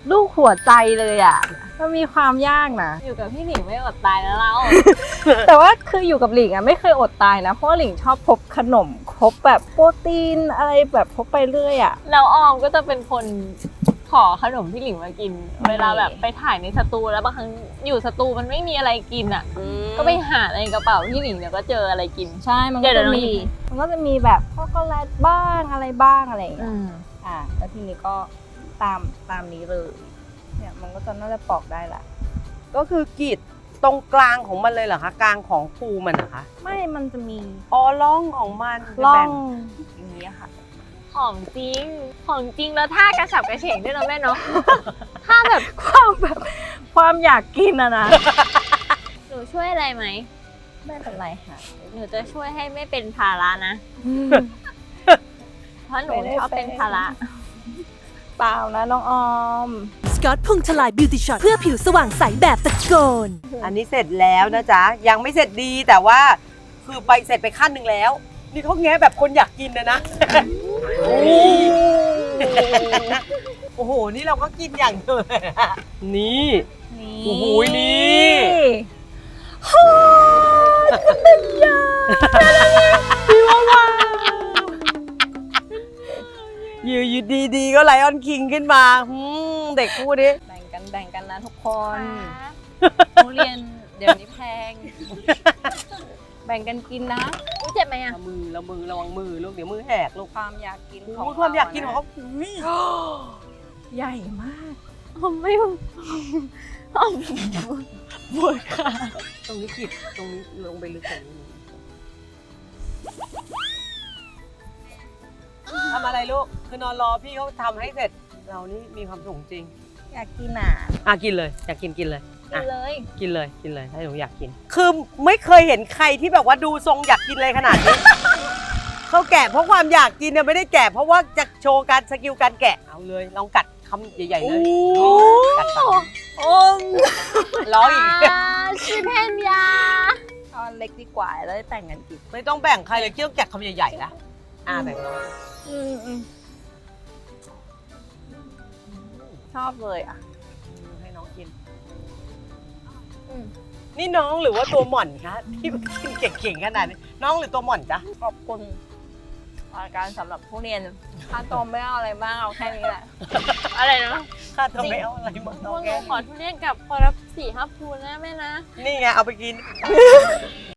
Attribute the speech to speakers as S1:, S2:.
S1: ลูกหัวใจเลยอ่ะมันมีความยากนะ
S2: อยู่กับพี่หนิงไม่อดตายแล้วเรา
S1: แต่ว่าคืออยู่กับหลิงอ่ะไม่เคยอดตายนะเพราะว่าหลิงชอบพกขนมพกแบบโปรตีนอะไรแบบพกไปเรื่อยอ่ะ
S2: แล้วออมก็จะเป็นคนขอขนมพี่หลิงมากิน เวลาแบบไปถ่ายในสตูแล้วบางครั้งอยู่สตูมันไม่มีอะไรกินอ่ะ ก็ไปหาในกระเป๋าพี่หลิงเดี๋ยวก็เจออะไรกิน
S1: ใช่มันก็
S2: เดี๋
S1: จะ
S2: ยว
S1: มีมันก็จะมีแบบช็อกโกแลตบ้างอะไรบ้างอะไรอย่างเงี้ย แล้วทีนี้ก็ตามนี้เลยเนี่ยมันก็จะน่าจะปอกได้ละ
S3: ก็คือกรีดตรงกลางของมันเลยเหรอคะกลางของภูมันนะคะ
S1: ไม่มันจะมี
S3: อ๋อร่องของมัน
S1: ร่อ
S3: แบ่
S1: งอย่างนี้ยค่ะ
S2: ของจริง ของจริงแล้วท่ากระฉับกระเฉงด้วยนะแม่เนาะ ท่าแบบ
S1: ความอยากกินอะนะ
S2: หนูช่วยอะไรไหม
S1: ไม่เป็นไรค่ะ
S2: หนูจะช่วยให้ไม่เป็นภาระนะ เพราะหนูชอบเป็นภาระ
S1: เปล่านะน้องออม
S4: สกอตพุงทลายบิวตี้ช็อตเพื่อผิวสว่างใสแบบตะโกน
S3: อันนี้เสร็จแล้วนะจ๊ะยังไม่เสร็จดีแต่ว่าคือไปเสร็จไปขั้นหนึ่งแล้ว นี่เขาแงะแบบคนอยากกินนะ โอ้โหนี่เราก็กินอย่างเดียวเลยอะนี่ โอ้โหนี่ อยู่ดีๆก็ไลออนคิงขึ้นมาเด็กคู่นี้
S1: แบ่งกันนะทุกคนทุเรียนเดี๋ยวนี้แพง แบ่งกันกินนะ
S2: อุ๊ยเจ็บไหมอะ
S3: ละมือระวังมือลูกเดี๋ยวมือแหกลูก
S1: ความอยากกินข
S3: โอ้
S1: อง
S3: ยความอยากกินของเขาอุ๊ย
S1: ใหญ่มาก
S2: อมไม่อมปวดขา
S3: ตรงนี้ขีดตรงนี้ลงไปลึกกว่านี้ทำอะไรลูกคือนอนรอพี่เขาทำให้เสร็จเรานี่มีความสุขจริง
S1: อยากกินอ่ะ
S3: กินเลยอยากกินเลย
S2: กินเลย
S3: กินเลยถ้าหนูอยากกิน คือไม่เคยเห็นใครที่แบบว่าดูทรงอยากกินเลยขนาดนี้ เขาแกะเพราะความอยากกินเนี่ยไม่ได้แกะเพราะว่าจะโชว์การสกิลการแกะเอาเลยลองกัดคำใหญ่ๆเลยกัดปาก
S2: โอ้ม
S3: ร้องอีก
S2: ชิเพนยา
S1: เอาอันเล็กดีกว่าแล้วได้แต่งกันกิน
S3: ไม่ต้องแบ่งใครเลยเกี่ยวแกะคำใหญ่ๆนะแบ่งน้อง
S1: ชอบเลยอ่ะ
S3: ให้น้องกินนี่น้องหรือว่าตัวหม่อนคะที่กินเก่งๆขนาดนี้น้องหรือตัวหม่อนจ๊ะ
S1: ขอบคุณรายการสำหรับผู้เรียนค่าตัวไม่เอาอะไรมากเอาแค่นี้แหละ
S2: อะไรนะ
S3: ข้าตัวไม่เอาอะไรมา
S2: พ
S3: น้อ
S2: ว
S3: ง
S2: กห
S3: แก
S2: นูขอทุเรียนกับขอรับ4-5 ภูนะแม่นะ
S3: นี่ไงเอาไปกิน